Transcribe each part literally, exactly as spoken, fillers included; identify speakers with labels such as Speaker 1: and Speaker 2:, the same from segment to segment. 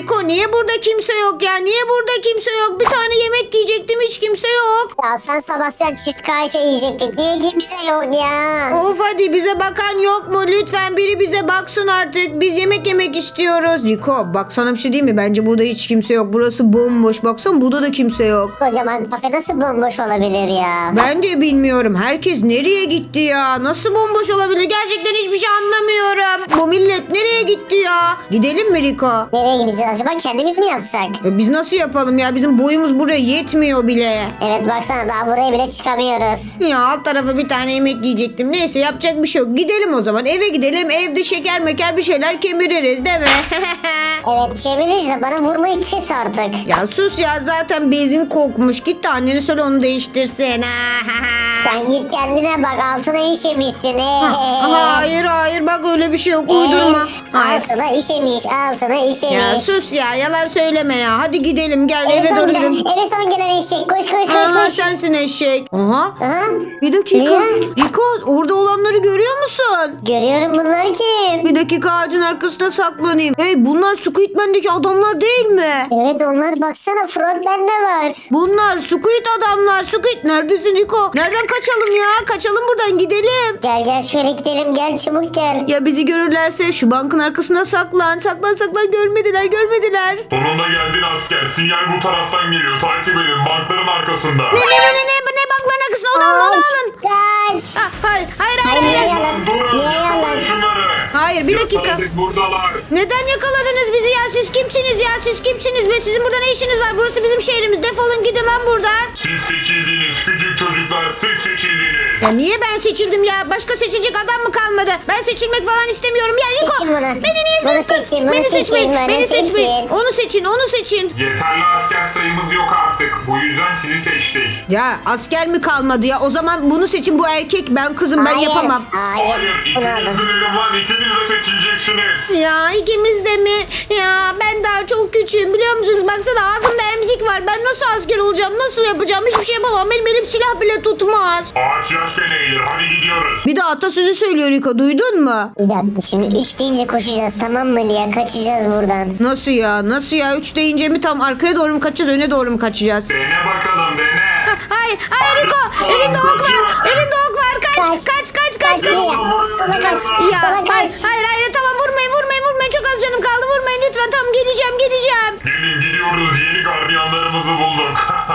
Speaker 1: Rico niye burada kimse yok ya? Niye burada kimse yok? Bir tane yemek yiyecektim, hiç kimse yok.
Speaker 2: Ya sen Sebastian cheesecake yiyecektik. Niye kimse yok ya?
Speaker 1: Of hadi, bize bakan yok mu? Lütfen biri bize baksın artık. Biz yemek yemek istiyoruz. Rico bak, sana bir şey diyeyim mi? Bence burada hiç kimse yok. Burası bomboş. Baksana, burada da kimse yok.
Speaker 2: Kocaman kafe nasıl bomboş olabilir ya?
Speaker 1: Ben de bilmiyorum. Herkes nereye gitti ya? Nasıl bomboş olabilir? Gerçekten hiçbir şey anlamıyorum. Bu millet nereye gitti ya? Gidelim mi Rico?
Speaker 2: Nereye gideceğiz acaba? Kendimiz mi yapsak?
Speaker 1: E biz nasıl yapalım ya? Bizim boyumuz buraya yetmiyor bile.
Speaker 2: Evet baksana, daha buraya bile çıkamıyoruz.
Speaker 1: Ya alt tarafa bir tane yemek yiyecektim. Neyse, yapacak bir şey yok. Gidelim o zaman. Eve gidelim. Evde şeker meker bir şeyler kemiririz değil mi?
Speaker 2: Evet çeviririz de bana vurmayı kes artık.
Speaker 1: Ya sus ya, zaten bezin kokmuş. Git de annene söyle onu değiştirsin.
Speaker 2: Sen git kendine bak, altına işemişsin.
Speaker 1: Hayır hayır, bak öyle bir şey yok. Uydurma. Hayır.
Speaker 2: Altına işemiş, altına işemiş.
Speaker 1: Ya sus ya, yalan söyleme ya. Hadi gidelim, gel
Speaker 2: Eve
Speaker 1: eve
Speaker 2: son
Speaker 1: doğru
Speaker 2: gelen,
Speaker 1: gidelim.
Speaker 2: eve son gelen eşek. Koş koş koş
Speaker 1: Aha,
Speaker 2: koş.
Speaker 1: sensin eşek. Aha.
Speaker 2: Aha.
Speaker 1: Bir dakika.
Speaker 2: Niye?
Speaker 1: Rico, orada olanları görüyor musun?
Speaker 2: Görüyorum, bunlar kim?
Speaker 1: Bir dakika, ağacın arkasına saklanayım. Hey, bunlar Squidman'deki adamlar değil mi?
Speaker 2: Evet onlar, baksana frontman de var.
Speaker 1: Bunlar Squid adamlar. Squid neredesin Rico? Nereden kaçalım ya? Kaçalım buradan, gidelim.
Speaker 2: Gel gel şöyle gidelim, gel çabuk gel.
Speaker 1: Ya bizi görürlerse? Şu bankın arkasına saklan. Saklan saklan, görmediler görmediler.
Speaker 3: Sonunda geldin asker. Sinyal bu taraftan geliyor. Takip edin. Bankların arkasında.
Speaker 1: Ne ne ne ne ne, ne bankların arkasına, onu alın onu alın.
Speaker 2: Kaç.
Speaker 1: Ah, hayır hayır hayır.
Speaker 2: Hayır,
Speaker 1: hayır.
Speaker 2: yalan.
Speaker 3: Durun.
Speaker 2: Niye yalan?
Speaker 3: Yakalayın şunları.
Speaker 1: Hayır, bir dakika.
Speaker 3: Yakaladık, buradalar.
Speaker 1: Neden yakaladınız bizi ya? Siz kimsiniz ya? Siz kimsiniz be? Sizin burada ne işiniz var? Burası bizim şehrimiz. Defolun gidin lan buradan.
Speaker 3: Siz seçildiniz. Küçük çocuklar, siz seçildiniz.
Speaker 1: Ya niye ben seçildim ya? Başka seçilecek adam mı kalmadı? Ben seçilmek falan istemiyorum. Ya Niko,
Speaker 2: Seçin bunu.
Speaker 1: beni niye
Speaker 2: Bunu
Speaker 1: seçtin?
Speaker 2: seçin, bunu
Speaker 1: Beni
Speaker 2: seçin,
Speaker 1: seçmeyin.
Speaker 2: bunu
Speaker 1: Beni
Speaker 2: seçin.
Speaker 1: seçmeyin. Onu seçin, onu seçin.
Speaker 3: Yeterli asker sayımız yok artık. Bu yüzden sizi seçtik.
Speaker 1: Ya asker mi kalmadı ya? O zaman bunu seçin. Bu erkek, ben kızım, ben
Speaker 2: Hayır,
Speaker 1: yapamam.
Speaker 2: Hayır.
Speaker 3: Hayır,
Speaker 2: Bunu
Speaker 3: ikiniz
Speaker 2: alın.
Speaker 3: de dedim lan. İkiniz de seçileceksiniz.
Speaker 1: Ya ikimiz de mi? Ya ben daha çok küçüğüm, biliyor musunuz? Baksana, ağzımda emzik var. Ben nasıl asker olacağım? Nasıl yapacağım? Hiçbir şey yapamam. Benim elim silah bile tutmaz.
Speaker 3: Ağaç yaşken eğilir. Hadi gidiyoruz.
Speaker 1: Bir de atasözü söylüyor Riko. Duydun mu?
Speaker 2: Bir dakika, şimdi üç deyince koşacağız, tamam mı Lia? Kaçacağız buradan.
Speaker 1: Nasıl ya? Nasıl ya? Üç deyince mi tam arkaya doğru mu kaçacağız? Öne doğru mu kaçacağız?
Speaker 3: Dene bakalım, dene.
Speaker 1: Hayır, hayır Riko. Elinde ok var. Elinde ok var. Kaç, kaç, kaç, kaç, kaç.
Speaker 2: Kaç Lia? Sola kaç.
Speaker 1: Ya
Speaker 2: Sola
Speaker 1: hayır,
Speaker 2: kaç.
Speaker 1: hayır, hayır, tamam, vurmayın, vurmayın, vurmayın. Çok az canım kaldı. Vurmayın lütfen. Tamam, geleceğim, geleceğim.
Speaker 3: Gelin gidiyoruz. Yeni gardiyanlarımızı bulduk.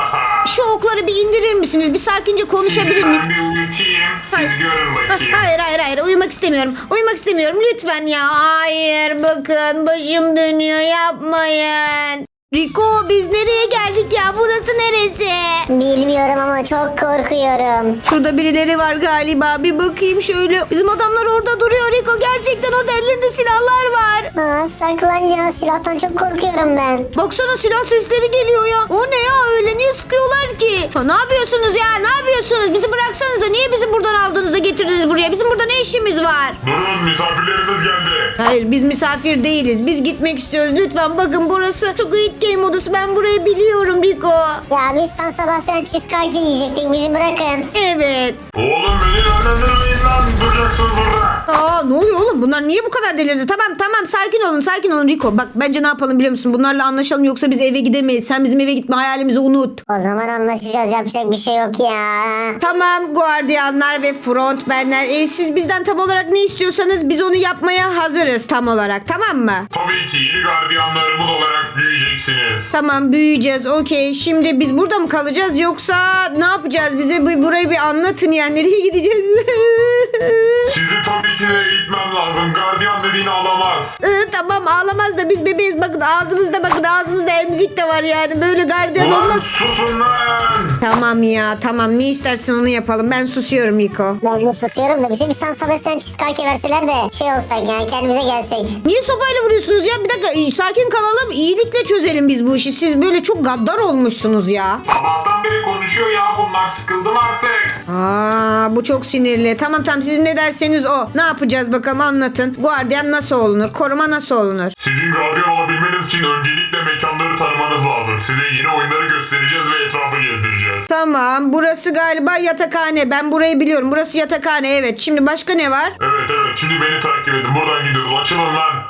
Speaker 1: Şu okları bir indirir misiniz? Bir sakince konuşabilir
Speaker 3: Sizi
Speaker 1: miyiz?
Speaker 3: ben bir uyutayım. Siz
Speaker 1: Hayır.
Speaker 3: görün bakayım.
Speaker 1: Hayır, hayır, hayır. Uyumak istemiyorum. Uyumak istemiyorum. Lütfen ya. Hayır, bakın. Başım dönüyor. Yapmayın. Rico, biz nereye geldik ya? Burası neresi?
Speaker 2: Bilmiyorum ama çok korkuyorum.
Speaker 1: Şurada birileri var galiba. Bir bakayım şöyle. Bizim adamlar orada duruyor Rico. Gerçekten orada ellerinde silahlar var.
Speaker 2: Aa, saklan ya, silahtan çok korkuyorum ben.
Speaker 1: Baksana, silah sesleri geliyor ya. O ne ya öyle? Niye sıkıyorlar ki? Ha, ne yapıyorsunuz ya? Ne yapıyorsunuz? Bizi bıraksanıza. Niye bizi buradan aldınız da getirdiniz buraya? Bizim burada ne işimiz var?
Speaker 3: Durun, misafirlerimiz geldi.
Speaker 1: Hayır, biz misafir değiliz. Biz gitmek istiyoruz. Lütfen bakın, burası Squid Game odası. Ben burayı biliyorum Rico.
Speaker 2: Ya biz San Sebastian cheesecake yiyecektik, bizi bırakın.
Speaker 1: Evet.
Speaker 3: Oğlum beni yönlendirmeyin lan. Duracaksın burada.
Speaker 1: Aa, ne oluyor oğlum? Bunlar niye bu kadar delirdi? Tamam tamam, sakin olun sakin olun Rico. Bak, bence ne yapalım biliyor musun? Bunlarla anlaşalım, yoksa biz eve gidemeyiz. Sen bizim eve gitme hayalimizi unut.
Speaker 2: O zaman anlaşacağız, yapacak bir şey yok ya.
Speaker 1: Tamam guardiyanlar ve frontmenler. E, siz bizden tam olarak ne istiyorsanız biz onu yapmaya hazırız tam olarak, tamam mı?
Speaker 3: Tabii ki yeni gardiyanlarımız olarak büyüyeceksiniz.
Speaker 1: Tamam, büyüyeceğiz, okey. Şimdi biz burada mı kalacağız, yoksa ne yapacağız? Bize bu, burayı bir anlatın yani. Nereye gideceğiz?
Speaker 3: Sizi tabii ki de eğitmem lazım. Gardiyan dediğini alamaz.
Speaker 1: Ee, tamam, ağlamaz da biz bebeğiz. Bakın ağzımızda, bakın ağzımızda emzik de var yani. Böyle gardiyan
Speaker 3: Ulan
Speaker 1: olmaz.
Speaker 3: susun lan.
Speaker 1: Tamam ya, tamam, ne istersen onu yapalım. Ben susuyorum Rico.
Speaker 2: Ben de susuyorum da bize bir San Sebastian cheesecake verseler de şey olsak yani, kendimize gelsek.
Speaker 1: Niye sopayla vuruyorsunuz ya? Bir dakika, e, sakin kalalım. İyilikle çözelim biz bu işi. Siz böyle çok gaddar olmuşsunuz ya.
Speaker 3: Sabahtan beri konuşuyor ya bunlar. Sıkıldım artık.
Speaker 1: Aa, bu çok sinirli. Tamam tamam, siz ne derseniz o. Ne yapacağız bakalım, anlatın. Guardiyan nasıl olunur? Koruma nasıl olunur?
Speaker 3: Sizin gardiyan olabilmeniz için öncelikle mekanları tanımanız lazım. Size yeni oyunları göstereceğiz ve etrafı gezdireceğiz.
Speaker 1: Tamam, burası galiba yatakhane. Ben burayı biliyorum. Burası yatakhane, evet. Şimdi başka ne var?
Speaker 3: Evet evet, şimdi beni takip edin. Buradan gidiyoruz. Açılın lan.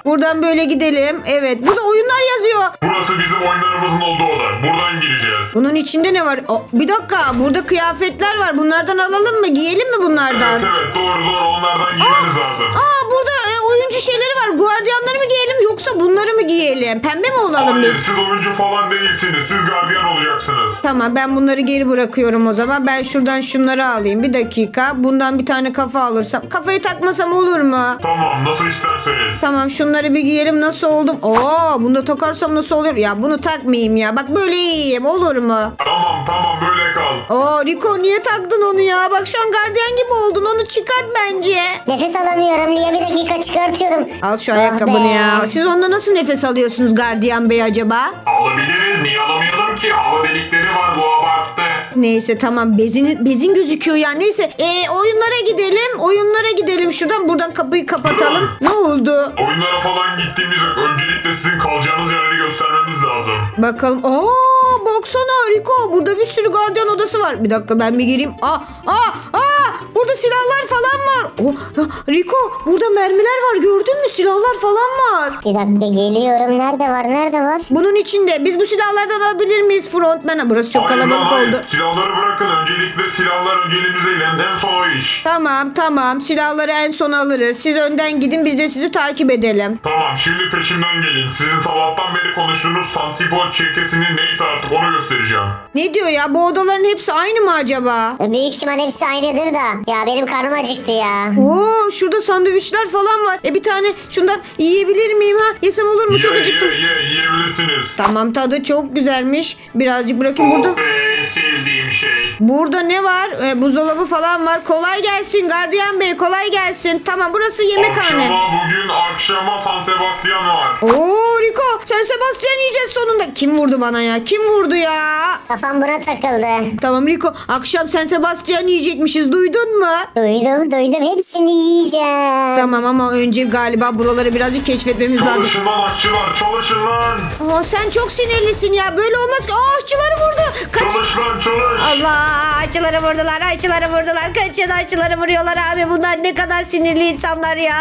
Speaker 1: Buradan böyle gidelim. Evet. Burada oyunlar yazıyor.
Speaker 3: Burası bizim oyunlarımızın olduğu oda. Buradan gireceğiz.
Speaker 1: Bunun içinde ne var? Aa, bir dakika. Burada kıyafetler var. Bunlardan alalım mı? Giyelim mi bunlardan?
Speaker 3: Evet evet doğru doğru onlardan giymeniz lazım.
Speaker 1: Aa burada e, oyuncu şeyleri var. Guardiyanları mı giyelim yoksa bunları mı giyelim? Pembe mi olalım
Speaker 3: Hayır
Speaker 1: biz?
Speaker 3: siz oyuncu falan değilsiniz. Siz gardiyan olacaksınız.
Speaker 1: Tamam ben bunları geri bırakıyorum o zaman. Ben şuradan şunları alayım. Bir dakika. Bundan bir tane kafa alırsam. Kafayı takmasam olur mu?
Speaker 3: Tamam nasıl isterseniz.
Speaker 1: Tamam şunları bir giyelim. Nasıl oldum? Oo bunu da takarsam nasıl olur? Ya bunu takmayayım ya. Bak böyle iyiyim. Olur mu?
Speaker 3: Tamam tamam böyle kal.
Speaker 1: Oo Rico niye taktın onu ya? Bak şu an gardiyan gibi oldun. Onu çıkart bence.
Speaker 2: Nefes alamıyorum Lia, bir dakika çıkartıyorum.
Speaker 1: Al şu
Speaker 2: Ah
Speaker 1: ayakkabını
Speaker 2: be.
Speaker 1: ya. Siz onda nasıl nefes alıyorsunuz gardiyan bey acaba?
Speaker 3: Alabiliriz. Niye alamayalım ki? Hava delikleri var bu abarttı.
Speaker 1: Neyse tamam bezin, bezin gözüküyor ya. Neyse ee, oyunlara gidelim. Oyunlara gidelim. Şuradan buradan kapıyı kapatalım. Ne oldu?
Speaker 3: Oyunlara falan gittiğimiz yok. Öncelikle sizin kalacağınız yerleri göstermemiz lazım.
Speaker 1: Bakalım. Aa baksana Rico. Burada bir sürü gardiyan odası var. Bir dakika ben bir gireyim. Aa aa aa. Burada silahlar falan var. Oh, ah, Rico burada mermiler var. Gördün mü? Silahlar falan var.
Speaker 2: Bir dakika geliyorum. Nerede var? Nerede var?
Speaker 1: Bunun içinde. Biz bu silahlardan alabilir miyiz frontman? Burası çok
Speaker 3: Hayır,
Speaker 1: kalabalık
Speaker 3: hayır.
Speaker 1: oldu.
Speaker 3: Silahları bırakın. Öncelikle silahlar önceliğimize ilen en son o iş.
Speaker 1: Tamam tamam. Silahları en son alırız. Siz önden gidin. Biz de sizi takip edelim.
Speaker 3: Tamam şimdi peşimden gelin. Sizin sabahtan beri konuştuğunuz Sansipol çirkesinin neyse artık onu göstereceğim.
Speaker 1: Ne diyor ya? Bu odaların hepsi aynı mı acaba?
Speaker 2: Büyük ihtimal hepsi aynıdır da. Ya benim karnım acıktı ya.
Speaker 1: Oo, şurada sandviçler falan var. E bir tane şundan yiyebilir miyim ha? Yesem olur mu? Çok
Speaker 3: Ye
Speaker 1: acıktım.
Speaker 3: ye ye yiyebilirsiniz.
Speaker 1: Tamam tadı çok güzelmiş. Birazcık bırakayım burada.
Speaker 3: Oh be sevdiğim şey.
Speaker 1: Burada ne var? E, buzdolabı falan var. Kolay gelsin gardiyan bey kolay gelsin. Tamam burası yemekhane.
Speaker 3: Akşama bugün akşama San Sebastian var.
Speaker 1: Oo Rico sen Sebastian yiyeceğiz sonunda. Kim vurdu bana ya? Kim vurdu ya?
Speaker 2: Kafam buna takıldı.
Speaker 1: Tamam Rico akşam sen Sebastian yiyecekmişiz duydun mu?
Speaker 2: Duydum duydum. Hepsini yiyeceğim.
Speaker 1: Tamam ama önce galiba buraları birazcık keşfetmemiz lazım.
Speaker 3: Çalışın lan aşçılar çalışın lan.
Speaker 1: Aa, sen çok sinirlisin ya. Böyle olmaz ki. Aa, aşçıları vurdu. Kaç.
Speaker 3: Çalış lan çalış.
Speaker 1: Allah aşçıları vurdular. Aşçıları vurdular. Kaçın aşçıları vuruyorlar abi. Bunlar ne kadar sinirli insanlar ya.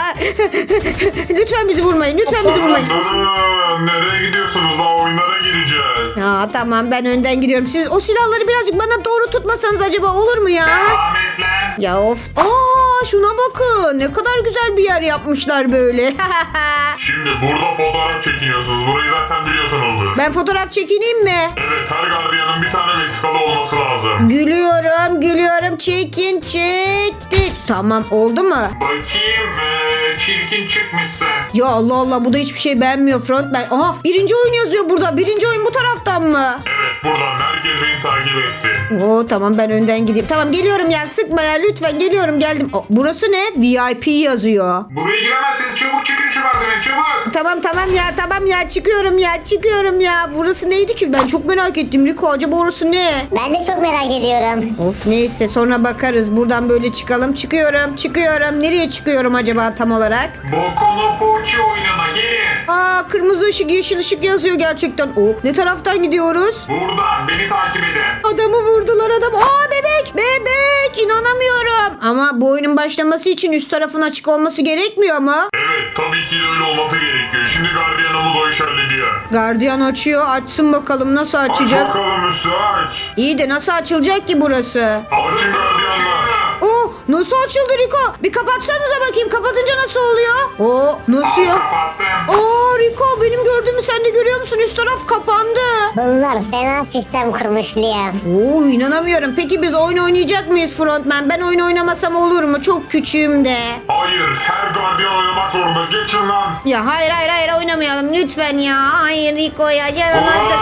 Speaker 1: Lütfen bizi vurmayın. Lütfen bizi vurmayın.
Speaker 3: Durun, nereye gidiyorsunuz? Daha oyunlara gireceğiz.
Speaker 1: Aa, tamam ben önden gidiyorum. Siz o silahları birazcık bana doğru tutmasanız acaba olur mu ya?
Speaker 3: Ahmet lan.
Speaker 1: Ya of. Aa şuna bakın. Ne kadar güzel bir yer yapmışlar böyle.
Speaker 3: Şimdi burada fotoğraf çekiniyorsunuz. Burayı zaten biliyorsunuzdur.
Speaker 1: Ben fotoğraf çekineyim mi?
Speaker 3: Evet her gardiyanın bir tane vesikalı olması lazım.
Speaker 1: Gülüyorum, gülüyorum. Çekin, çekti. Tamam, oldu mu?
Speaker 3: Bakayım ee, çirkin çıkmışsın.
Speaker 1: Ya Allah Allah, bu da hiçbir şey beğenmiyor frontman. Aha, birinci oyun yazıyor burada. Birinci oyun bu taraftan mı?
Speaker 3: Evet buradan herkes beni takip etsin.
Speaker 1: Oo tamam, ben önden gideyim. Tamam geliyorum ya, sıkma ya lütfen, geliyorum geldim. Aa, burası ne? V I P yazıyor.
Speaker 3: Buraya giremezsiniz. Çabuk çıkın şu merdiveni çabuk.
Speaker 1: Tamam tamam ya, tamam ya, çıkıyorum ya, çıkıyorum ya. Burası neydi ki? Ben çok merak ettim Rico. Acaba orası ne?
Speaker 2: Ben de çok merak ediyorum.
Speaker 1: Of neyse, sonra bakarız. Buradan böyle çıkalım. Çıkıyorum, çıkıyorum. Nereye çıkıyorum acaba tam olarak?
Speaker 3: Bokono Poğaça oyununa gelin.
Speaker 1: Aa, kırmızı ışık, yeşil ışık yazıyor gerçekten. Oh, ne taraftan gidiyoruz?
Speaker 3: Buradan beni takip edin.
Speaker 1: Adamı vurdular adam. Aa bebek, bebek. İnanamıyorum. Ama bu oyunun başlaması için üst tarafın açık olması gerekmiyor mu?
Speaker 3: Evet tabii ki de öyle olması gerekiyor. Şimdi gardiyanımız o iş hallediyor.
Speaker 1: Gardiyan açıyor. Açsın bakalım nasıl
Speaker 3: Aç
Speaker 1: açacak.
Speaker 3: bakalım üstü aç.
Speaker 1: İyi de nasıl açılacak ki burası?
Speaker 3: Açın gardiyanlar.
Speaker 1: Oo, nasıl açıldı Rico? Bir kapatsanıza bakayım. Kapatınca nasıl oluyor? Oo, nasıl ya?
Speaker 3: Kapattım.
Speaker 1: Aa Rico, benim gördüğümü sen de görüyor musun? Üst taraf kapandı.
Speaker 2: Bunlar fena sistem kurmuş Lia.
Speaker 1: Oo, inanamıyorum. Peki biz oyun oynayacak mıyız frontman? Ben oyun oynamasam olur mu? Çok küçüğüm de.
Speaker 3: Hayır her gardiyan oynamak zorunda. Geçin lan.
Speaker 1: Ya hayır hayır hayır oynamayalım lütfen ya. Hayır Rico ya. Yaramazsın.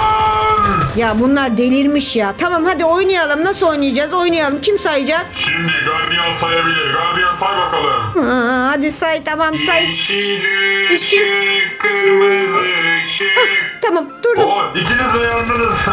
Speaker 3: Ulan!
Speaker 1: Ya bunlar delirmiş ya. Tamam hadi oynayalım. Nasıl oynayacağız? Oynayalım. Kim sayacak?
Speaker 3: Şimdi gardiyan sayabilir. Gardiyan say bakalım.
Speaker 1: Aa, hadi say, tamam say.
Speaker 3: Yeşil
Speaker 1: Işık.
Speaker 3: ışık, kırmızı ışık.
Speaker 1: Tamam durdum.
Speaker 3: Oo, ikiniz de yandınız.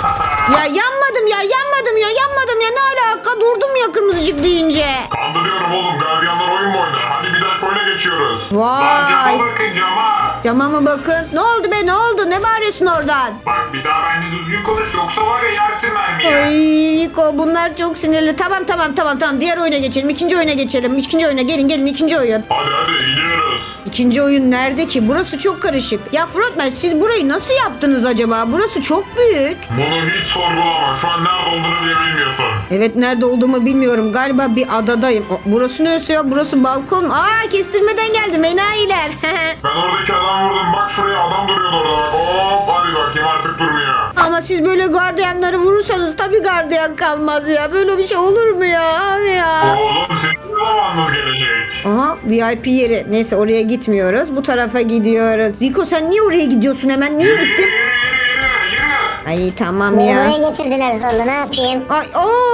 Speaker 1: Ya yanmadım ya yanmadım ya yanmadım ya, ne alaka, durdum ya kırmızıcık deyince.
Speaker 3: Kandırıyorum oğlum. Gardiyanlar oyun mu oynar? Hadi bir dahaki oyuna geçiyoruz.
Speaker 1: Vay.
Speaker 3: bakın cama.
Speaker 1: Cama mı bakın? Ne oldu be, ne oldu? Ne bağırıyorsun? yapıyorsun oradan?
Speaker 3: Bak bir daha benimle düzgün konuş yoksa var ya yersin mermiyi.
Speaker 1: Ay Rico bunlar çok sinirli. Tamam tamam tamam tamam. Diğer oyuna geçelim. İkinci oyuna geçelim. İkinci oyuna gelin gelin ikinci oyun.
Speaker 3: Hadi hadi gidiyoruz.
Speaker 1: İkinci oyun nerede ki? Burası çok karışık. Ya Frontman siz burayı nasıl yaptınız acaba? Burası çok büyük.
Speaker 3: Bunu hiç sorgulama. Şu an nerede olduğunu bile bilmiyorsun.
Speaker 1: Evet nerede olduğumu bilmiyorum. Galiba bir adadayım. O, burası neresi ya? Burası balkon. Aa kestirmeden geldim enayiler.
Speaker 3: Ben oradaki adam vurdum. Bak şuraya adam duruyordu orada. Bak. Hop hadi bakayım artık durmuyor.
Speaker 1: Ama siz böyle gardiyanları vurursanız tabii gardiyan kalmaz ya. Böyle bir şey olur mu ya abi ya?
Speaker 3: Oğlum sizin ne zamanınız gelecek?
Speaker 1: Aha V I P yeri. Neyse oraya gitmiyoruz. Bu tarafa gidiyoruz. Rico sen niye oraya gidiyorsun hemen? Niye
Speaker 3: Yürü yürü
Speaker 1: gittin?
Speaker 3: yürü yürü yürü.
Speaker 1: Ay tamam
Speaker 2: Beni
Speaker 1: ya.
Speaker 2: buraya getirdiler zorla ne yapayım?
Speaker 1: Ay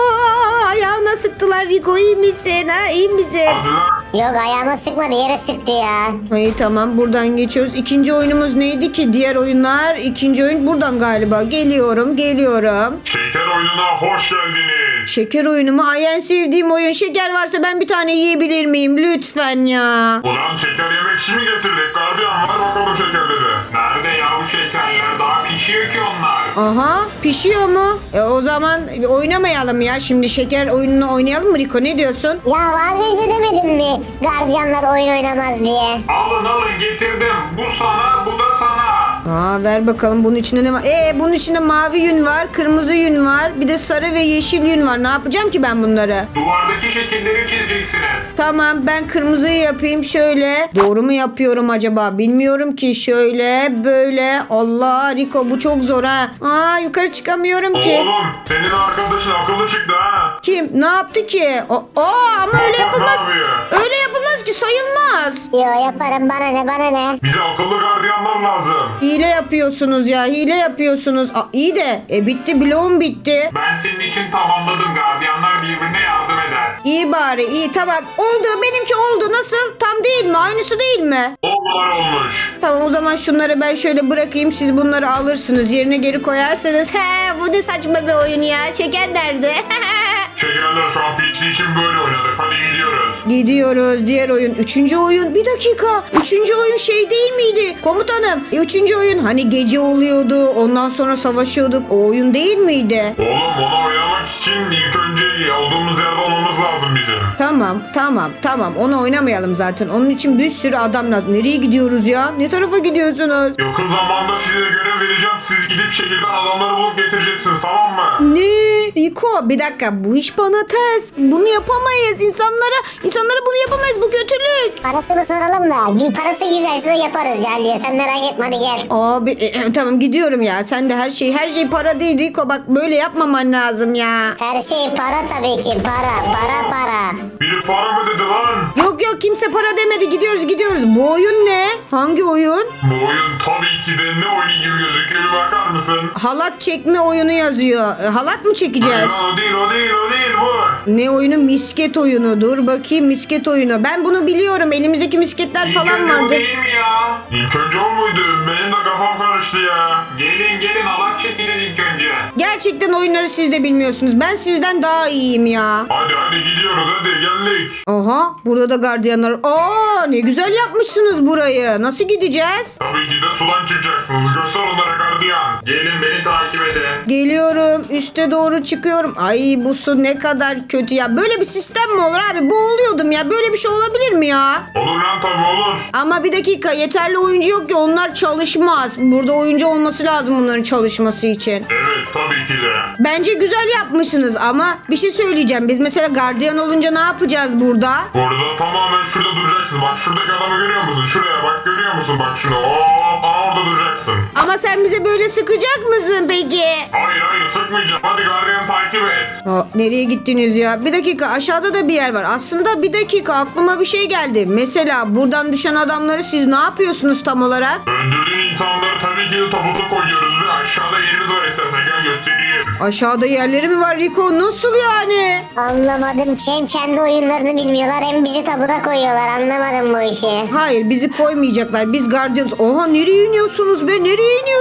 Speaker 1: ooo ayağına sıktılar Rico iyi misin ha iyi misin?
Speaker 3: Hadi lan.
Speaker 2: Yok ayağıma sıkmadı yere sıktı ya.
Speaker 1: Ay tamam buradan geçiyoruz. İkinci oyunumuz neydi ki? Diğer oyunlar. İkinci oyun buradan galiba. Geliyorum geliyorum.
Speaker 3: Şeker oyununa hoş geldiniz.
Speaker 1: Şeker oyunu mu? Ay en sevdiğim oyun. Şeker varsa ben bir tane yiyebilir miyim? Lütfen ya.
Speaker 3: Ulan şeker yemek için mi getirdik? Gardiyan var bakalım şekerleri. Nerede ya bu şekerler? Daha pişiyor ki onlar.
Speaker 1: Aha pişiyor mu? E o zaman oynamayalım ya. Şimdi şeker oyununu oynayalım mı Rico? Ne diyorsun?
Speaker 2: Ya az önce demedim mi gardiyanlar oyun oynamaz diye.
Speaker 3: Alın alın getirdim. Bu sana bu da sana.
Speaker 1: Aa ver bakalım bunun içinde ne var? Ee bunun içinde mavi yün var, kırmızı yün var, bir de sarı ve yeşil yün var. Ne yapacağım ki ben bunları?
Speaker 3: Duvardaki şekilleri çizeceksiniz.
Speaker 1: Tamam ben kırmızıyı yapayım şöyle. Doğru mu yapıyorum acaba? Bilmiyorum ki. Şöyle böyle. Allah Rico bu çok zor ha. Aa yukarı çıkamıyorum ki.
Speaker 3: Oğlum senin arkadaşın akıllı çıktı ha.
Speaker 1: Kim? Ne yaptı ki? O- Aa ama öyle
Speaker 3: Bak, bak,
Speaker 1: yapılmaz.
Speaker 3: ne yapıyor?
Speaker 1: Öyle yapılmaz ki sayılmaz.
Speaker 2: Yo yaparım bana ne bana ne.
Speaker 3: Bize akıllı gardiyanlar lazım.
Speaker 1: Hile yapıyorsunuz ya. Hile yapıyorsunuz. Aa, iyi de. E bitti bloğum bitti.
Speaker 3: Ben senin için tamamladım. Gardiyanlar birbirine yardım eder.
Speaker 1: İyi bari iyi tamam. Oldu benimki oldu. Nasıl? Tam değil mi? Aynısı değil mi?
Speaker 3: Onlar olmuş.
Speaker 1: Tamam o zaman şunları ben şöyle bırakayım. Siz bunları alırsınız. Yerine geri koyarsanız. He bu ne saçma bir oyun ya. Şeker nerede?
Speaker 3: Şekerler şu an piçli için böyle oynadık. Hadi gidiyoruz.
Speaker 1: Gidiyoruz diğer oyun. Üçüncü oyun. Bir dakika. Üçüncü oyun şey değil miydi? Komutanım. E, üçüncü oyun hani gece oluyordu. Ondan sonra savaşıyorduk. O oyun değil miydi?
Speaker 3: Oğlum onu oynamak için ilk önce olduğumuz yerde olmamız lazım bizim.
Speaker 1: Tamam tamam tamam. Onu oynamayalım zaten. Onun için bir sürü adam lazım. Nereye gidiyoruz ya? Ne tarafa gidiyorsunuz?
Speaker 3: Yakın zamanda size görev vereceğim. Siz gidip şehirden adamları bulup getireceksiniz tamam mı?
Speaker 1: Ne? Rico bir dakika bu iş bana ters. Bunu yapamayız. İnsanlara insanlara bunu yapamayız. Bu kötülük.
Speaker 2: Parasını soralım da bir parası güzelse yaparız gel diye sen merak etme hadi gel.
Speaker 1: Abi e, e, tamam gidiyorum ya. Sen de her şey her şey para değil Rico. Bak böyle yapmaman lazım ya.
Speaker 2: Her şey para tabii ki para para para.
Speaker 3: Biri para mı dedi lan?
Speaker 1: Yok yok kimse para demedi. Gidiyoruz gidiyoruz. Bu oyun ne? Hangi oyun?
Speaker 3: Bu oyun tabii ki de ne oyunu gibi gözüküyor bir bakar mısın?
Speaker 1: Halat çekme oyunu yazıyor. E, halat mı çekeceğiz?
Speaker 3: Hayır, o değil o değil o değil bu.
Speaker 1: Ne oyunu? Misket oyunu. Dur bakayım misket oyunu. Ben bunu biliyorum. Elimizdeki misketler
Speaker 3: İlk
Speaker 1: falan
Speaker 3: önce bu
Speaker 1: vardı.
Speaker 3: değil mi ya? İlk önce o muydu? Benim de kafam karıştı ya. Gelin gelin alak çekilin ilk önce.
Speaker 1: Gerçekten oyunları siz de bilmiyorsunuz. Ben sizden daha iyiyim ya.
Speaker 3: Hadi hadi gidiyoruz hadi geldik.
Speaker 1: Aha burada da gardiyanlar. Aa ne güzel yapmışsınız burayı. Nasıl gideceğiz?
Speaker 3: Tabii ki de sudan çıkacaksınız. Göster onlara gardiyan. Gelin beni takip edin.
Speaker 1: Geliyorum. Üste doğru çıkıyorum. Ay bu su ne kadar kötü ya. Böyle bir sistem mi olur abi? Boğuluyordum ya. Böyle bir şey olabilir mi ya?
Speaker 3: Olur lan tabii olur.
Speaker 1: Ama bir dakika yeterli oyuncu yok ki onlar çalışmaz. Burada oyuncu olması lazım bunların çalışması için.
Speaker 3: Evet tabii ki de.
Speaker 1: Bence güzel yapmışsınız ama bir şey söyleyeceğim. Biz mesela gardiyan olunca ne yapacağız burada?
Speaker 3: Burada tamamen şurada duracaksın. Bak şuradaki adamı görüyor musun? Şuraya bak görüyor musun? Bak şunu. Hop aa, orada duracaksın.
Speaker 1: Ama sen bize böyle sıkacak mısın peki?
Speaker 3: Hayır hayır sıkmayacağım. Hadi gardiyanı takip et.
Speaker 1: Aa, nereye gittiniz ya? Bir dakika aşağıda da bir yer var. Aslında bir dakika aklıma bir şey geldi. Mesela buradan düşen adamları siz ne yapıyorsunuz tam olarak?
Speaker 3: Öldürdüğün insanları tabii ki de tabuta koyuyoruz ve aşağıda yerimiz var istersen gel göstereyim.
Speaker 1: Aşağıda yerleri mi var Rico? Nasıl yani?
Speaker 2: Anlamadım ki hem kendi oyunlarını bilmiyorlar hem bizi tabuda koyuyorlar anlamadım bu işi.
Speaker 1: Hayır bizi koymayacaklar. Biz gardiyanız. Oha nereye iniyorsunuz be? Nereye iniyorsunuz?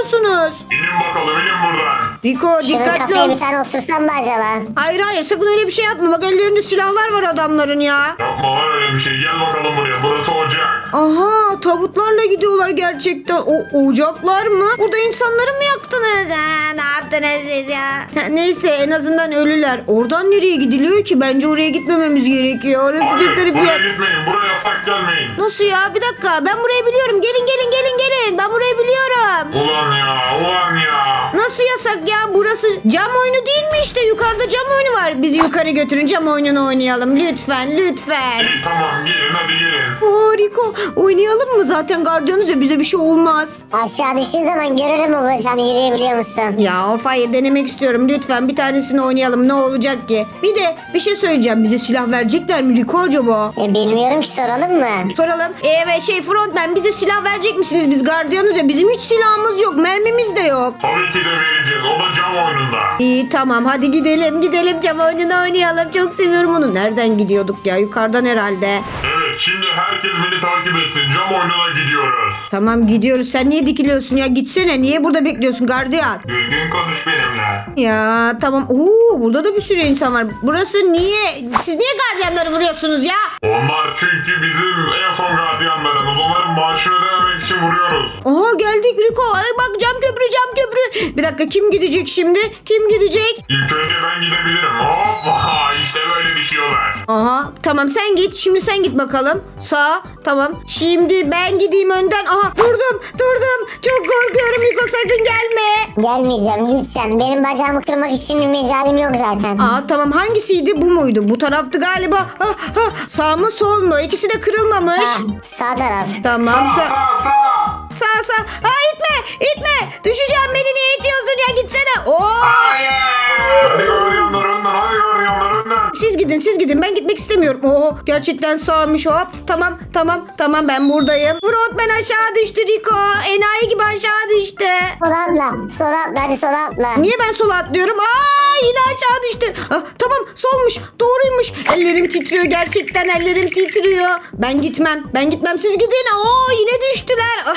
Speaker 1: yapıyorsunuz?
Speaker 3: İnin bakalım inin buradan.
Speaker 1: Rico
Speaker 2: Şunun
Speaker 1: dikkatli
Speaker 2: kafaya
Speaker 1: ol.
Speaker 2: bir tane osursam mı acaba?
Speaker 1: Hayır hayır sakın öyle bir şey yapma. Bak ellerinde silahlar var adamların ya.
Speaker 3: Yapma lan öyle bir şey. Gel bakalım buraya. Burası ocak.
Speaker 1: Aha tabutlarla gidiyorlar gerçekten. O ocaklar mı? Burada insanları mı yaktınız? Ha, ne yaptınız siz ya? Ha, neyse en azından ölüler. Oradan nereye gidiliyor ki? Bence oraya gitmememiz gerekiyor. Orası çok
Speaker 3: Hayır
Speaker 1: garip bir
Speaker 3: buraya
Speaker 1: yer.
Speaker 3: gitmeyin. Buraya yasak gelmeyin.
Speaker 1: Nasıl ya? Bir dakika ben burayı biliyorum. Gelin gelin gelin gelin. Ben burayı biliyorum.
Speaker 3: Ulan ya ulan ya.
Speaker 1: Nasıl yasak ya? Burası cam oyunu değil mi işte? Yukarıda cam oyunu var. Bizi yukarı götürün cam oyununu oynayalım. Lütfen lütfen.
Speaker 3: İyi tamam gelin hadi gelin.
Speaker 1: Harika. Oynayalım mı? Zaten gardiyanız ya bize bir şey olmaz.
Speaker 2: Aşağı düştüğün zaman görürüm o bacağını, yürüyebiliyor musun?
Speaker 1: Ya of hayır denemek istiyorum. Lütfen bir tanesini oynayalım. Ne olacak ki? Bir de bir şey söyleyeceğim. Bize silah verecekler mi Rico acaba?
Speaker 2: E, bilmiyorum ki, soralım mı?
Speaker 1: Soralım. Evet şey frontman bize silah verecek misiniz? Biz gardiyanız ya. Bizim hiç silahımız yok. Mermimiz de yok.
Speaker 3: Tabii ki de vereceğiz. O da cam oyununda.
Speaker 1: İyi tamam hadi gidelim. Gidelim cam oyununu oynayalım. Çok seviyorum onu. Nereden gidiyorduk ya? Yukarıdan herhalde.
Speaker 3: Evet şimdi herkes beni takip etsin. Cam oyununa gidiyoruz.
Speaker 1: Tamam gidiyoruz. Sen niye dikiliyorsun ya? Gitsene. Niye burada bekliyorsun gardiyan?
Speaker 3: Düzgün konuş benimle.
Speaker 1: Ya tamam. Oo burada da bir sürü insan var. Burası niye? Siz niye gardiyanları vuruyorsunuz ya?
Speaker 3: Onlar çünkü bizim en son gardiyanlarımız. Onların maaşını ödememek için vuruyoruz.
Speaker 1: Aha geldik Rico. Ay bak cam köprü cam köprü. Bir dakika kim gidecek şimdi? Kim gidecek?
Speaker 3: İlk önce ben gidebilirim. Hoppa işte böyle düşüyorlar.
Speaker 1: Aha tamam sen git. Şimdi sen git bakalım. Sağ tamam. Şimdi ben gideyim önden. Aha durdum durdum. Çok korkuyorum Rico sakın gelme.
Speaker 2: Gelmeyeceğim, git sen. Benim bacağımı kırmak için mecalim yok zaten.
Speaker 1: Aa tamam hangisiydi bu muydu? Bu taraftı galiba. Ha, ha, sağ mı sol mu? İkisi de kırılmamış.
Speaker 2: Ha, sağ taraf.
Speaker 1: Tamam
Speaker 3: Sağ
Speaker 1: sağ.
Speaker 3: sağ sağ.
Speaker 1: Sağ sağ. Ha itme itme. Düşeceğim beni niye itiyorsun ya gitsene. Oo.
Speaker 3: Hayır. Hadi gardiyanlar önden hadi gardiyanlar önden.
Speaker 1: Siz gidin siz gidin ben gitmek istemiyorum. Oo gerçekten sağmış hop. Tamam tamam tamam ben buradayım. Frontman aşağı düştü Rico. Enayi gibi aşağı düştü.
Speaker 2: Sola atla, sola atla, hadi sola atla.
Speaker 1: Niye ben sola atlıyorum? Aa yine aşağı düştü. Ah, tamam solmuş doğruymuş. Ellerim titriyor gerçekten ellerim titriyor. Ben gitmem ben gitmem siz gidin. Oo yine düştüler.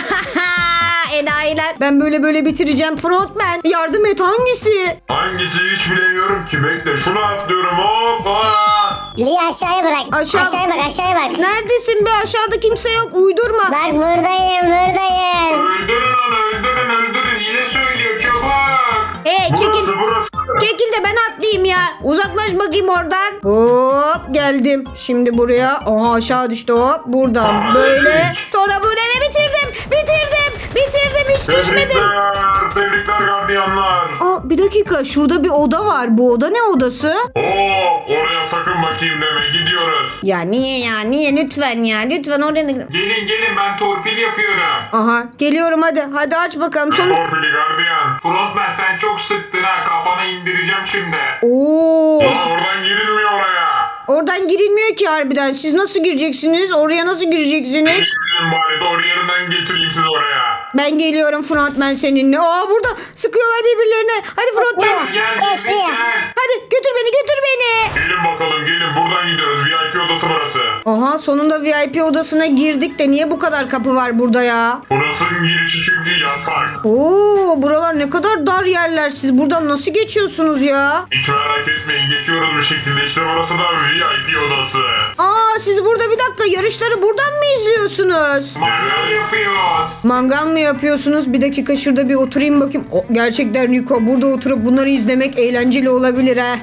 Speaker 1: Enayiler. Ben böyle böyle bitireceğim Frontman. Yardım et hangisi?
Speaker 3: Hangisi hiç bilemiyorum ki. Bekle şunu atlıyorum hoppa.
Speaker 2: Lia aşağıya bırak.
Speaker 1: Aşağı-
Speaker 2: Aşağıya bak, aşağıya bak.
Speaker 1: Neredesin be aşağıda kimse yok uydurma.
Speaker 2: Bak buradayım, buradayım.
Speaker 3: Öldürün onu öldürün öldürün. Yine söylüyor çabuk.
Speaker 1: Hey çekil.
Speaker 3: Burası burası.
Speaker 1: Çekil de ben atlayayım ya. Uzaklaş bakayım oradan. Hop geldim. Şimdi buraya. Aha aşağı düştü hop. Buradan
Speaker 3: Aa,
Speaker 1: böyle.
Speaker 3: evet.
Speaker 1: Sonra böyle ve bitirdim. Bitirdim. Bitirdim hiç düşmedim.
Speaker 3: Tebrikler. Tebrikler gardiyanlar.
Speaker 1: Aa, bir dakika şurada bir oda var. Bu oda ne odası?
Speaker 3: Oo, oraya sakın bakayım deme. Gidiyoruz.
Speaker 1: Ya niye ya niye lütfen ya lütfen oraya.
Speaker 3: Gelin gelin ben torpil yapıyorum.
Speaker 1: Aha geliyorum hadi. Hadi aç bakalım. Son...
Speaker 3: Torpili gardiyan. Frontman sen çok sıktın ha. Kafana indireceğim şimdi.
Speaker 1: Oo.
Speaker 3: Lan oradan girilmiyor oraya.
Speaker 1: Oradan girilmiyor ki harbiden. Siz nasıl gireceksiniz? Oraya nasıl gireceksiniz?
Speaker 3: Girin bari doğru yerinden getireyim sizi oraya.
Speaker 1: Ben geliyorum frontman seninle. Aa burada sıkıyorlar birbirlerine. Hadi frontman.
Speaker 2: Koş,
Speaker 3: Gel
Speaker 2: koş,
Speaker 3: gel
Speaker 2: Lia.
Speaker 3: gel.
Speaker 1: Hadi götür beni götür beni.
Speaker 3: Gelin bakalım gelin buradan gidiyoruz. V I P odası burası.
Speaker 1: Aha sonunda V I P odasına girdik de niye bu kadar kapı var burada ya?
Speaker 3: Burasının girişi çünkü yasak.
Speaker 1: Oo buralar ne kadar dar yerler. Siz buradan nasıl geçiyorsunuz ya?
Speaker 3: Hiç merak etmeyin geçiyoruz bir şekilde. İşte burası da V I P odası.
Speaker 1: Aa siz burada bir dakika yarışları buradan mı izliyorsunuz?
Speaker 3: Mangal yapıyoruz.
Speaker 1: Mangal mı yapıyorsunuz? Bir dakika şurada bir oturayım bakayım. O, gerçekten Rico burada oturup bunları izlemek eğlenceli olabilir ha.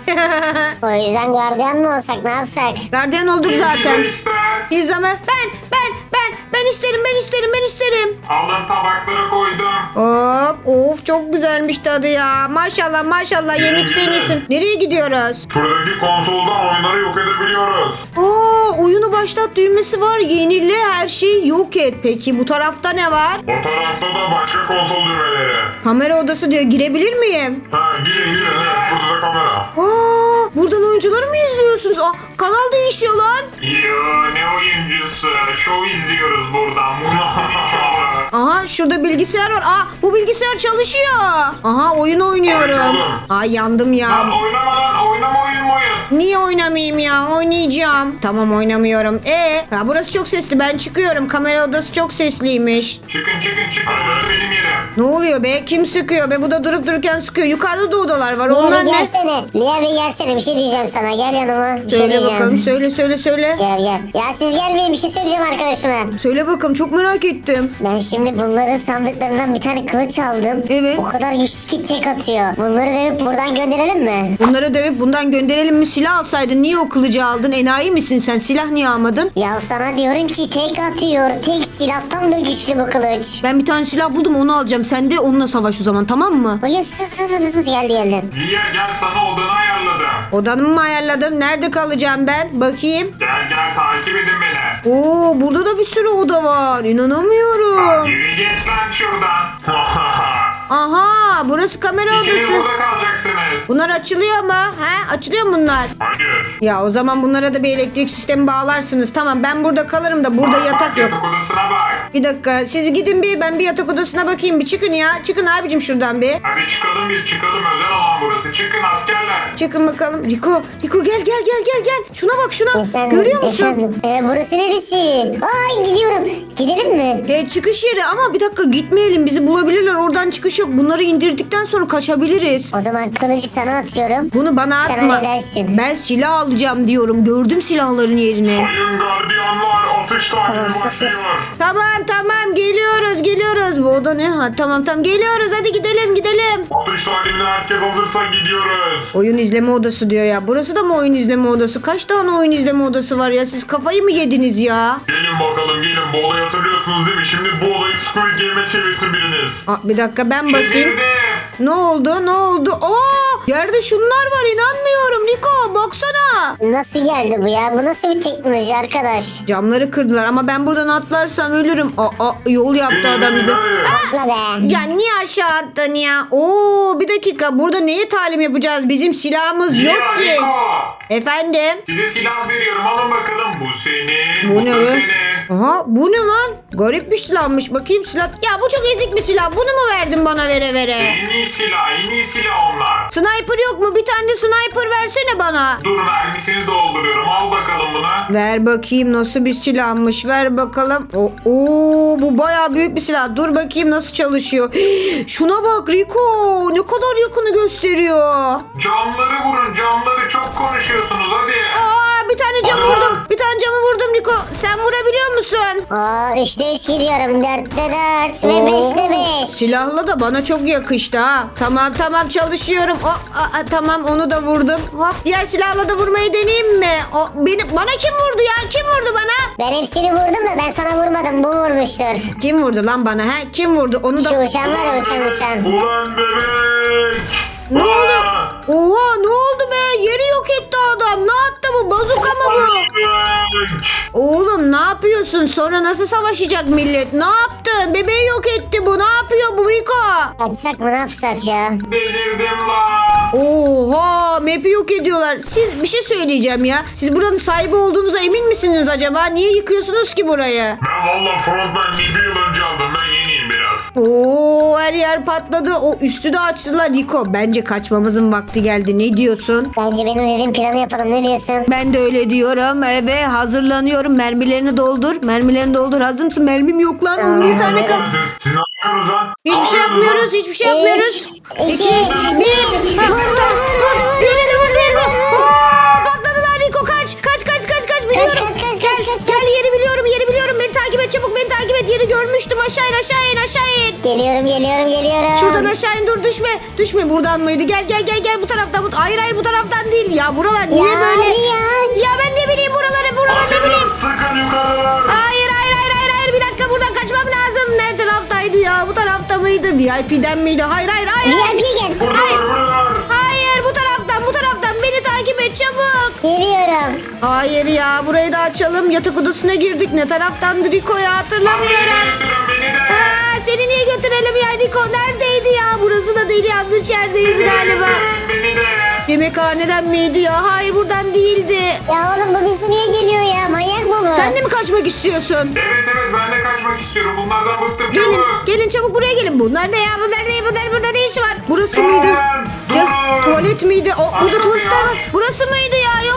Speaker 2: O yüzden gardiyan mı olsak, ne yapsak?
Speaker 1: Gardiyan olduk zaten.
Speaker 3: ister?
Speaker 1: İzleme. Ben ben ben ben isterim ben isterim ben isterim.
Speaker 3: Alın tabaklara koydum.
Speaker 1: Hop of çok güzelmiş tadı ya. Maşallah maşallah yemek isteyensin. Nereye gidiyoruz?
Speaker 3: Şuradaki konsoldan oyunları yok edebiliyoruz.
Speaker 1: Aa oyunu başlat düğmesi var. Yenile her şeyi yok et. Peki bu tarafta ne var?
Speaker 3: O tarafta da başka konsol düğmeleri.
Speaker 1: Kamera odası diyor. Girebilir miyim?
Speaker 3: Ha girin girin evet burada da kamera.
Speaker 1: Aa buradan oyuncuları mı izliyorsunuz? Aa kanal değişiyor lan.
Speaker 3: Yo ne oyuncusu? Şov izliyoruz buradan.
Speaker 1: Aha şurada bilgisayar var. Aa bu bilgisayar çalışıyor. Aha oyun oynuyorum.
Speaker 3: Oynayalım.
Speaker 1: Aa yandım ya.
Speaker 3: Lan oynama lan oynama oyun mu oyun?
Speaker 1: Niye oynamayayım ya? Oynayacağım. Tamam oynamıyorum. E, ya burası çok sesli. Ben çıkıyorum. Kamera odası çok sesliymiş.
Speaker 3: Çıkın çıkın çıkın. Burası benim yerim.
Speaker 1: Ne oluyor be? Kim sıkıyor be? Bu da durup dururken sıkıyor. Yukarıda da odalar var.
Speaker 2: Lia
Speaker 1: Onlar
Speaker 2: bir
Speaker 1: ne?
Speaker 2: gelsene. Lia bir gelsene. Bir şey diyeceğim sana. Gel yanıma. Bir şey
Speaker 1: Söyle
Speaker 2: diyeceğim.
Speaker 1: bakalım. Söyle söyle söyle.
Speaker 2: Gel gel. Ya siz gelmeyin. Bir şey söyleyeceğim arkadaşıma.
Speaker 1: Söyle bakalım. Çok merak ettim.
Speaker 2: Ben şimdi bunların sandıklarından bir tane kılıç aldım.
Speaker 1: Evet.
Speaker 2: O kadar güçlü ki tek atıyor. Bunları dövüp buradan gönderelim mi?
Speaker 1: Bunları dövüp bundan gönderelim mi? Silah alsaydın niye o kılıcı aldın? Enayi misin sen? Silah niye almadın?
Speaker 2: Ya sana diyorum ki tek atıyor. Tek silahtan da güçlü bu kılıç.
Speaker 1: Ben bir tane silah buldum onu alacağım. Sen de onunla savaş o zaman tamam mı?
Speaker 2: Bakın sus sus sus sus geldi geldi.
Speaker 3: Lia gel sana odanı ayarladım.
Speaker 1: Odanımı mı ayarladım? Nerede kalacağım ben? Bakayım.
Speaker 3: Gel gel takip edin beni.
Speaker 1: Oo burada da bir sürü oda var. İnanamıyorum.
Speaker 3: Yürü git lan şuradan.
Speaker 1: Aha burası kamera
Speaker 3: İkiniz
Speaker 1: odası.
Speaker 3: burada kalacaksınız.
Speaker 1: Bunlar açılıyor mu? He? Açılıyor mu bunlar?
Speaker 3: Hayır.
Speaker 1: Ya o zaman bunlara da bir elektrik sistemi bağlarsınız. Tamam ben burada kalırım da burada
Speaker 3: Bak,
Speaker 1: yatak
Speaker 3: bak,
Speaker 1: yok.
Speaker 3: Yatak odasına bak.
Speaker 1: Bir dakika siz gidin bir ben bir yatak odasına bakayım. Bir çıkın ya. Çıkın abicim şuradan bir.
Speaker 3: Hadi çıkalım biz çıkalım. Özel alan burası. Çıkın askerler.
Speaker 1: Çıkın bakalım. Riko, Riko gel gel gel gel gel. Şuna bak şuna.
Speaker 2: Efendim,
Speaker 1: Görüyor musun?
Speaker 2: Efendim. Ee, burası neresi? Ay gidiyorum. Gidelim mi?
Speaker 1: E, çıkış yeri ama bir dakika gitmeyelim. Bizi bulabilirler. Oradan çıkış yok. Bunları indirdikten sonra kaçabiliriz.
Speaker 2: O zaman kılıcı sana atıyorum.
Speaker 1: Bunu bana
Speaker 2: Sen
Speaker 1: atma.
Speaker 2: halledersin.
Speaker 1: Ben silah alacağım diyorum. Gördüm silahların yerini.
Speaker 3: Sayın gardiyanlar atış takibi başlıyor.
Speaker 1: Tamam tamam geliyoruz geliyoruz. Bu oda ne? Ha, tamam tamam geliyoruz. Hadi gidelim gidelim.
Speaker 3: Atış takibine herkes hazırsa gidiyoruz.
Speaker 1: Oyun izleme odası diyor ya. Burası da mı oyun izleme odası? Kaç tane oyun izleme odası var ya? Siz kafayı mı yediniz ya?
Speaker 3: Gelin bakalım gelin. Bu olayı hatırlıyorsunuz değil mi? Şimdi bu olayı Squid Game'e çevirsin biriniz.
Speaker 1: Aa, bir dakika ben basayım.
Speaker 3: Çevirdim.
Speaker 1: Ne oldu? Ne oldu? Aa! Yerde şunlar var. İnanmıyorum. Niko baksana.
Speaker 2: Nasıl geldi bu ya? Bu nasıl bir teknoloji arkadaş?
Speaker 1: Camları kırdılar ama ben buradan atlarsam ölürüm. Aa, yol yaptı adam bize.
Speaker 2: Atla be.
Speaker 1: Ya niye aşağı attın ya? Oo bir dakika. Burada neye talim yapacağız? Bizim silahımız yok
Speaker 3: Ya
Speaker 1: ki.
Speaker 3: Niko.
Speaker 1: Efendim?
Speaker 3: Size silah veriyorum. Alın bakalım. Bu senin.
Speaker 1: Bu
Speaker 3: Bu,
Speaker 1: ne
Speaker 3: da
Speaker 1: be?
Speaker 3: senin.
Speaker 1: Aha bu ne lan? Garip bir silahmış. Bakayım silah. Ya bu çok ezik bir silah. Bunu mu verdin bana vere vere?
Speaker 3: En iyi silah. En iyi silah onlar.
Speaker 1: Sniper yok mu? Bir tane de sniper versene bana.
Speaker 3: Dur mermisini dolduruyorum. Al bakalım bunu.
Speaker 1: Ver bakayım nasıl bir silahmış. Ver bakalım. O, oo, bu bayağı büyük bir silah. Dur bakayım nasıl çalışıyor. Şuna bak Rico. Ne kadar yakını gösteriyor.
Speaker 3: Camları vurun. Camları çok konuşuyorsunuz. Hadi.
Speaker 1: Aa bir tane cam
Speaker 3: Hadi
Speaker 1: vurdum.
Speaker 3: lan.
Speaker 1: Bir tane camı vurdum Rico. Sen vurabiliyor musun?
Speaker 2: Aa üçte üç gidiyorum. Dörtte dört ve
Speaker 1: Oo,
Speaker 2: beşte beş.
Speaker 1: Silahla da bana çok yakıştı ha. Tamam tamam çalışıyorum. O, a, a, tamam onu da vurdum. Hop diğer silahla da vurmayı deneyeyim mi? O, beni, bana kim vurdu ya? Kim vurdu bana?
Speaker 2: Ben hepsini vurdum da ben sana vurmadım. Bu vurmuştur.
Speaker 1: Kim vurdu lan bana? Ha? Kim vurdu? Onu
Speaker 2: Şu
Speaker 1: da...
Speaker 2: uçan var ya uçan uçan.
Speaker 3: Ulan bebek.
Speaker 1: Ne oldu?
Speaker 3: Aa!
Speaker 1: Oha ne oldu be? Yeri yok etti adam. Ne attı bu? Bazuka mı bu?
Speaker 3: Bebek.
Speaker 1: Oğlum ne yapıyorsun? Sonra nasıl savaşacak millet? Ne yaptı? Bebeği yok etti bu. Ne yapıyor bu Rico?
Speaker 2: Kaçsak mı ne yapsak ya?
Speaker 3: Delirdim lan.
Speaker 1: Oha map'i yok ediyorlar. Siz bir şey söyleyeceğim ya. Siz buranın sahibi olduğunuza emin misiniz acaba? Niye yıkıyorsunuz ki burayı?
Speaker 3: Ben valla frontman bir yıl önce aldım. Ben yeniyim biraz.
Speaker 1: Oo her yer patladı. O üstü de açtılar Rico. Bence kaçmamızın vakti geldi. Ne diyorsun?
Speaker 2: Bence benim dediğim planı yapalım. Ne diyorsun?
Speaker 1: Ben de öyle diyorum e, ve hazırlanıyorum. Mermilerini doldur. Mermilerini doldur. Hazır mısın? Mermim yok lan. on bir tane kal.
Speaker 3: Siz, siz ne yapıyorsunuz lan?
Speaker 1: Hiçbir
Speaker 3: Ne
Speaker 1: şey
Speaker 3: yapıyorsunuz lan?
Speaker 1: yapmıyoruz. Hiçbir şey yapmıyoruz.
Speaker 2: Üç,
Speaker 1: İki,
Speaker 2: iki,
Speaker 1: bir. Ha, vur, vur, vur. Diğerini vur, diğerini vur. Oo, patladılar Rico. Kaç. Kaç, kaç, kaç, kaç. Biliyorum.
Speaker 2: kaç, kaç,
Speaker 1: Gel,
Speaker 2: kaç, kaç,
Speaker 1: Gel
Speaker 2: kaç.
Speaker 1: yeri biliyorum, yeri biliyorum. Beni takip et çabuk. Beni takip et. Yeri görmüştüm. Aşağı in, aşağı in, aşağı in.
Speaker 2: Geliyorum geliyorum geliyorum.
Speaker 1: Şuradan aşağı in dur düşme. Düşme buradan mıydı? Gel gel gel gel bu taraftan. Bu... Hayır hayır bu taraftan değil. Ya buralar niye
Speaker 2: Ya,
Speaker 1: böyle?
Speaker 2: ya.
Speaker 1: Ya ben ne bileyim buraları buraları ne bileyim.
Speaker 3: Askerler sıkın yukarılar.
Speaker 1: Hayır hayır hayır hayır hayır bir dakika buradan kaçmam lazım. Nerede taraftaydı ya? Bu tarafta mıydı? V I P'den miydi? Hayır hayır hayır.
Speaker 2: V I P'ye gel.
Speaker 3: Buradalar buradalar.
Speaker 1: Hayır bu taraftan bu taraftan beni takip et çabuk.
Speaker 2: Geliyorum.
Speaker 1: Hayır ya burayı da açalım. Yatak odasına girdik. Ne taraftandı Rico'ya hatırlamıyorum.
Speaker 3: Beni de.
Speaker 1: Aa, seni niye götürelim ya Rico? Neredeydi ya? Burası da değil yanlış yerdeyiz galiba.
Speaker 3: Beni de.
Speaker 1: Yemekhaneden miydi ya? Hayır buradan değildi.
Speaker 2: Ya oğlum bu bizi niye geliyor ya? Manyak mı bu?
Speaker 1: Sen de mi kaçmak istiyorsun?
Speaker 3: Evet evet ben de kaçmak istiyorum. Bunlardan bıktım
Speaker 1: Gelin,
Speaker 3: çabuk.
Speaker 1: gelin çabuk buraya gelin. Bunlar ne ya? Bunlar ne? Bunlar burada ne iş var? Burası
Speaker 3: Durun,
Speaker 1: mıydı?
Speaker 3: durun.
Speaker 1: Ya, tuvalet miydi? O,
Speaker 3: Aç
Speaker 1: burada
Speaker 3: kapıyı,
Speaker 1: tuvaletler var.
Speaker 3: aç.
Speaker 1: Burası mıydı ya?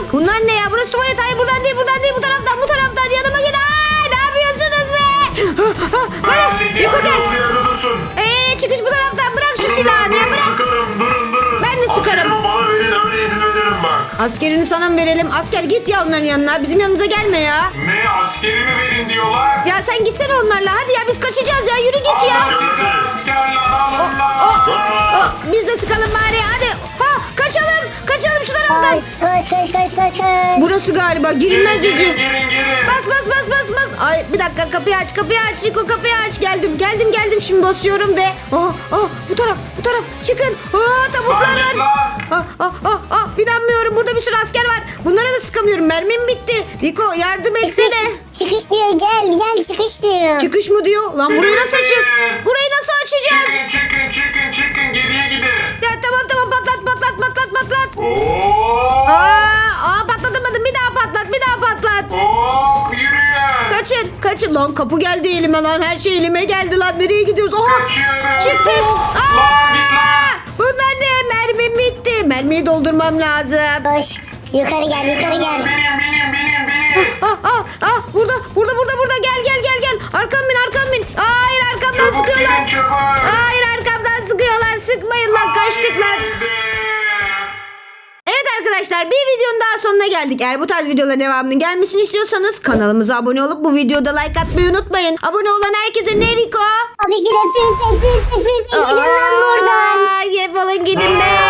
Speaker 1: Bana Riko gel.
Speaker 3: Olduğu yerde dursun.
Speaker 1: Eee çıkış bu taraftan, bırak şu silahını ya,
Speaker 3: Durun,
Speaker 1: bırak.
Speaker 3: sıkarım, durun durun.
Speaker 1: Ben de sıkarım.
Speaker 3: Askerimi bana verin, öyle izin veririm bak.
Speaker 1: Askerini sana mı verelim? Asker git ya onların yanına. Bizim yanımıza gelme ya.
Speaker 3: Ne, askerimi verin diyorlar.
Speaker 1: Ya sen gitsene onlarla. Hadi ya biz kaçacağız ya. Yürü git ya.
Speaker 3: Sıkar askerler, alın lan.
Speaker 1: Oh,
Speaker 3: Aa!
Speaker 1: oh, biz de sıkalım bari. Hadi. Ha kaçalım. Kaçalım şu taraftan.
Speaker 2: Koş koş koş koş koş koş.
Speaker 1: Burası galiba girilmez
Speaker 3: Gelin,
Speaker 1: yazıyor.
Speaker 3: gelin, gelin.
Speaker 1: Bas bas bas bas bas. Ay bir dakika, kapıyı aç kapıyı aç. Riko kapıyı aç. Geldim geldim geldim. Şimdi basıyorum ve. Oh, oh, bu taraf bu taraf. Çıkın. Oh, tabutlar
Speaker 3: Lan
Speaker 1: var.
Speaker 3: git lan.
Speaker 1: Ah, ah, ah, ah, inanmıyorum. Burada bir sürü asker var. Bunlara da sıkamıyorum. Mermim bitti. Riko yardım etsene.
Speaker 2: Çıkış diyor, gel gel çıkış diyor.
Speaker 1: Çıkış mı diyor? Lan burayı nasıl açacağız? Burayı nasıl açacağız?
Speaker 3: Çıkın, çıkın, çıkın, çıkın. Geriye gidin.
Speaker 1: Ya tamam tamam, patlat patlat patlat patlat.
Speaker 3: Oo!
Speaker 1: Aa, aa patlatamadım. Bir daha patlat, bir daha patlat.
Speaker 3: Oo! Yürüyün.
Speaker 1: Kaçın, kaçın. Lan kapı geldi elime lan. Her şey elime geldi lan. Nereye gidiyoruz? Oha!
Speaker 3: Kaçıyorum.
Speaker 1: Çıktık. Aa!
Speaker 3: Lan git lan.
Speaker 1: Bunlar ne? Mermim bitti. Mermiyi doldurmam lazım.
Speaker 2: Koş. Yukarı gel yukarı gel.
Speaker 3: Benim, benim, benim, benim.
Speaker 1: Ah ah ah, burada burada burada burada, gel gel gel gel. Arkam bin arkam bin. Hayır, arkamdan
Speaker 3: Çabuk
Speaker 1: sıkıyorlar.
Speaker 3: gidin, çabuk.
Speaker 1: Hayır, arkamdan sıkıyorlar. Sıkmayın lan, kaçtık lan.
Speaker 3: Haydi.
Speaker 1: Evet arkadaşlar, bir videonun daha sonuna geldik. Eğer bu tarz videoların devamının gelmesini istiyorsanız kanalımıza abone olup bu videoda like atmayı unutmayın. Abone olan herkese ne Riko?
Speaker 2: Tabii ki de füze füze füze gidin lan buradan.
Speaker 1: Aa, Defolun gidin be.